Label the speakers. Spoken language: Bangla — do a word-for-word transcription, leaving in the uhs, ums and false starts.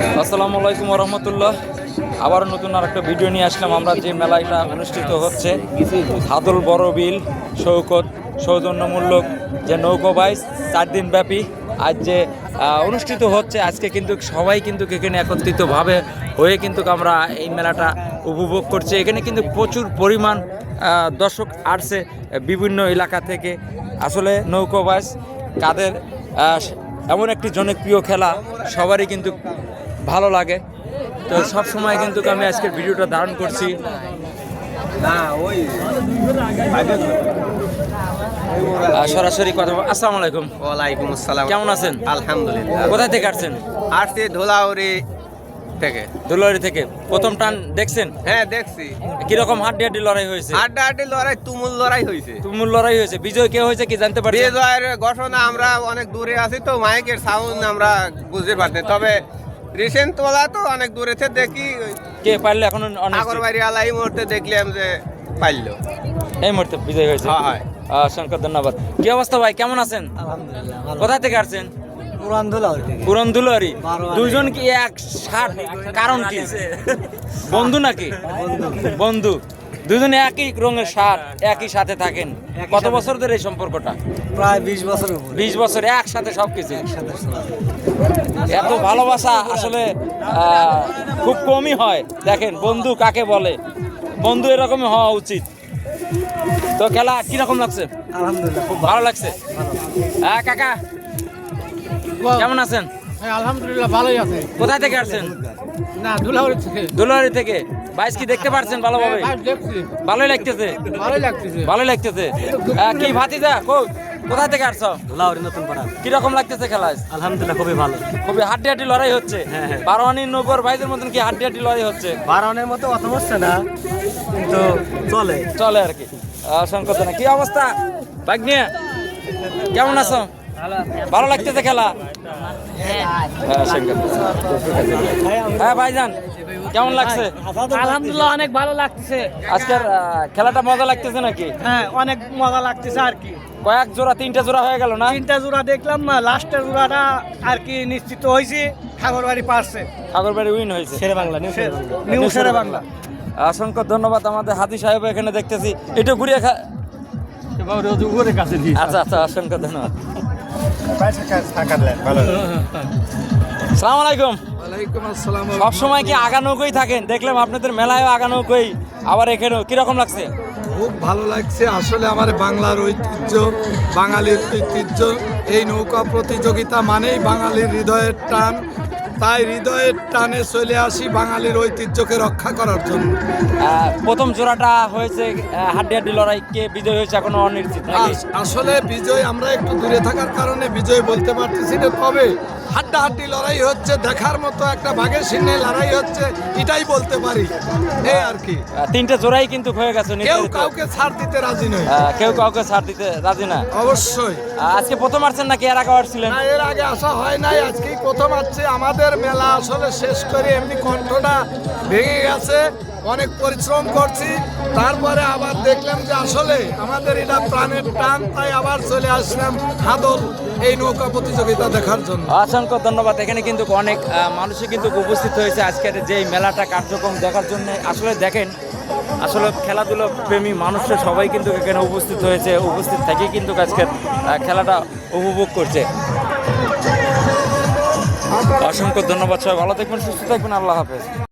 Speaker 1: আসসালামু আলাইকুম রহমতুল্লাহ। আবারও নতুন আর একটা ভিডিও নিয়ে আসলাম। আমরা যে মেলাটা অনুষ্ঠিত হচ্ছে হাদল বড় বিল শৌকত সৌজন্যমূলক যে নৌকো বাইচ চার দিন ব্যাপী আজ যে অনুষ্ঠিত হচ্ছে, আজকে কিন্তু সবাই কিন্তু এখানে একত্রিতভাবে হয়ে কিন্তু আমরা এই মেলাটা উপভোগ করছি। এখানে কিন্তু প্রচুর পরিমাণ দর্শক আসছে বিভিন্ন এলাকা থেকে। আসলে নৌকো বাইচ কাদের এমন একটি জনপ্রিয় খেলা, সবারই কিন্তু ভালো লাগে। তো সব সময় কিন্তু আমি আজকের ভিডিওটা ধারণ করছি। সরাসরি কথা। আসসালামু আলাইকুম।
Speaker 2: ওয়ালাইকুম আসসালাম।
Speaker 1: কেমন আছেন?
Speaker 2: আলহামদুলিল্লাহ।
Speaker 1: কোথায় থেকে আসছেন?
Speaker 2: আসছি ধুলাউড়ি থেকে।
Speaker 1: ধুলাউড়ি থেকে। প্রথম টান দেখছেন?
Speaker 2: হ্যাঁ দেখছি।
Speaker 1: কিরকম হাড্ডি হাড্ডি লড়াই হয়েছে?
Speaker 2: হাড্ডা হাড্ডি লড়াই, তুমুল লড়াই হয়েছে।
Speaker 1: তুমুল লড়াই হয়েছে। বিজয় কে হয়েছে কি জানতে পারছেন?
Speaker 2: বিজয়ের ঘোষণা আমরা অনেক দূরে আছি তো মাইকের সাউন্ড আমরা বুঝতে পারছি, তবে রিসেন্ট তোলা তো অনেক দূরে থেকে দেখি
Speaker 1: কে পারলে এখন
Speaker 2: আগরবাড়ি আলা এই মুহূর্তে দেখলাম যে পাইলো,
Speaker 1: এই মুহূর্তে বিজয় হয়েছে।
Speaker 2: হয়।
Speaker 1: অসংখ্য ধন্যবাদ। কি অবস্থা ভাই, কেমন আছেন?
Speaker 3: আলহামদুলিল্লাহ।
Speaker 1: কোথায় থেকে আসছেন?
Speaker 3: পুরান ধুলাউড়ি থেকে।
Speaker 1: পুরান ধুলাউড়ি। দুইজন কি এক সাথ? কারণ কি? বন্ধু নাকি? বন্ধু। দুজনে একই রঙের শার্ট, একই সাথে থাকেন। কত বছর ধরে এই সম্পর্কটা?
Speaker 3: প্রায় বিশ বছর উপরে।
Speaker 1: বিশ বছর একসাথে সবকিছু।
Speaker 3: একসাথে চলা।
Speaker 1: এত ভালোবাসা আসলে আহ, খুব কমই হয়। দেখেন বন্ধু কাকে বলে, বন্ধু এরকমই হওয়া উচিত। তো খেলা কিরকম লাগছে?
Speaker 3: আলহামদুলিল্লাহ খুব
Speaker 1: ভালো লাগছে। হ্যাঁ কাকা, কেমন আছেন?
Speaker 4: হ্যাঁ আলহামদুলিল্লাহ ভালোই আছে।
Speaker 1: কোথায় থেকে আসছেন?
Speaker 4: না ধুলাউড়ি থেকে।
Speaker 1: দুলারি থেকে। বাইশ কি দেখতে পারছেন ভালোভাবে?
Speaker 4: হ্যাঁ, দেখছি
Speaker 1: ভালোই লাগতেছে।
Speaker 4: ভালোই লাগতেছে।
Speaker 1: ভালোই লাগতেছে। আহ, কি ভাতিজা কো- কোথায় থেকে আসছো?
Speaker 3: ধুলাউড়ি নতুন পাড়া।
Speaker 1: কিরকম লাগতেছে খেলা?
Speaker 3: আলহামদুলিল্লাহ খুবই ভালো।
Speaker 1: খুবই হাড্ডি হাড্ডি লড়াই হচ্ছে।
Speaker 3: হ্যাঁ, হ্যাঁ।
Speaker 1: বারোয়ানি নৌকর ভাইদের মতন কি হাড্ডি হাড্ডি লড়াই হচ্ছে?
Speaker 3: বারণের মতো অত হচ্ছে না, কিন্তু চলে।
Speaker 1: চলে আর কি। অসংখ্য ধন্যবাদ। কি অবস্থা ভাগ্নিয়া, কেমন আছো? ভালো লাগতেছে খেলা? হ্যাঁ, অসংখ্য ধন্যবাদ। হ্যাঁ ভাইজান, কেমন লাগছে?
Speaker 4: আলহামদুলিল্লাহ অনেক ভালো লাগতেছে।
Speaker 1: আজকের আহ, খেলাটা মজা লাগতেছে নাকি?
Speaker 4: হ্যাঁ অনেক মজা লাগতেছে আর কি।
Speaker 1: কয়েক জোড়া, তিনটা জোড়া হয়ে গেল না?
Speaker 4: তিনটা জোড়া দেখলাম, লাস্টের জোড়াটা আর কি নিশ্চিত হয়েছে ঠাকুরবাড়ি পারছে।
Speaker 1: ঠাকুরবাড়ি উইন হয়েছে।
Speaker 3: শেরে বাংলা, নিউ শেরে বাংলা।
Speaker 4: নিউ শেরে বাংলা।
Speaker 1: অসংখ্য ধন্যবাদ। আমাদের হাদি সাহেব এখানে দেখতেছি, একটু ঘুরিয়ে খা। আচ্ছা আচ্ছা, অসংখ্য ধন্যবাদ। সালাম আলাইকুম।
Speaker 4: ওয়ালাইকুম আসসালাম।
Speaker 1: সব সময় কি আগা নৌকোই থাকেন? দেখলাম আপনাদের মেলায়ও আগা নৌকোই, আবার এখানেও। কিরকম লাগছে?
Speaker 5: খুব ভালো লাগছে। আসলে আমার বাংলার ঐতিহ্য, বাঙালির ঐতিহ্য, এই নৌকা প্রতিযোগিতা মানেই বাঙালির হৃদয়ের টান। তাই হৃদয়ের টানে চলে আসি বাঙালির ঐতিহ্যকে রক্ষা করার জন্য।
Speaker 1: আহ, প্রথম জোড়াটা হয়েছে হাড্ডি হাড্ডি লড়াই, কে বিজয় হয়েছে এখনো অনিশ্চিত নাকি?
Speaker 5: আস- আসলে বিজয় আমরা একটু দূরে থাকার কারণে বিজয় বলতে পারতেছি না, তবে হাড্ডাহাড্ডি লড়াই হচ্ছে, দেখার মতো একটা বাঘের সিংহে লড়াই হচ্ছে, এটাই বলতে পারি। এই আর কি,
Speaker 1: আহ, তিনটে জোড়াই কিন্তু হয়ে গেছে
Speaker 5: কেউ
Speaker 1: নির্ধারিত।
Speaker 5: কাউকে ছাড় দিতে রাজি নয়।
Speaker 1: আহ, কেউ কাউকে ছাড় দিতে রাজি না।
Speaker 5: অবশ্যই
Speaker 1: আহ, আজকে প্রথম আসছেন নাকি এর আগে আসছিলেন?
Speaker 5: না, এর আগে আসা হয় নাই, আজকেই প্রথম আসছে। আমাদের মেলা আসলে শেষ করে এমনি কণ্ঠটা ভেঙে গেছে, অনেক পরিশ্রম করছি, তারপরে আবার দেখলাম যে আসলে আমাদের এটা প্রাণের টান, তাই আবার চলে আসলাম হাদল এই নৌকা প্রতিযোগিতা দেখার জন্য।
Speaker 1: অসংখ্য ধন্যবাদ। এখানে কিন্তু অনেক আহ, মানুষই কিন্তু উপস্থিত হয়েছে আজকের যে এই মেলাটা কার্যক্রম দেখার জন্য। আসলে দেখেন, আসলে খেলাধুলো প্রেমী মানুষরা সবাই কিন্তু এখানে উপস্থিত হয়েছে, উপস্থিত থেকে কিন্তু আজকের আহ, খেলাটা উপভোগ করছে। অসংখ্য ধন্যবাদ। সবাই ভালো থাকবেন, সুস্থ থাকবেন। আল্লাহ হাফেজ।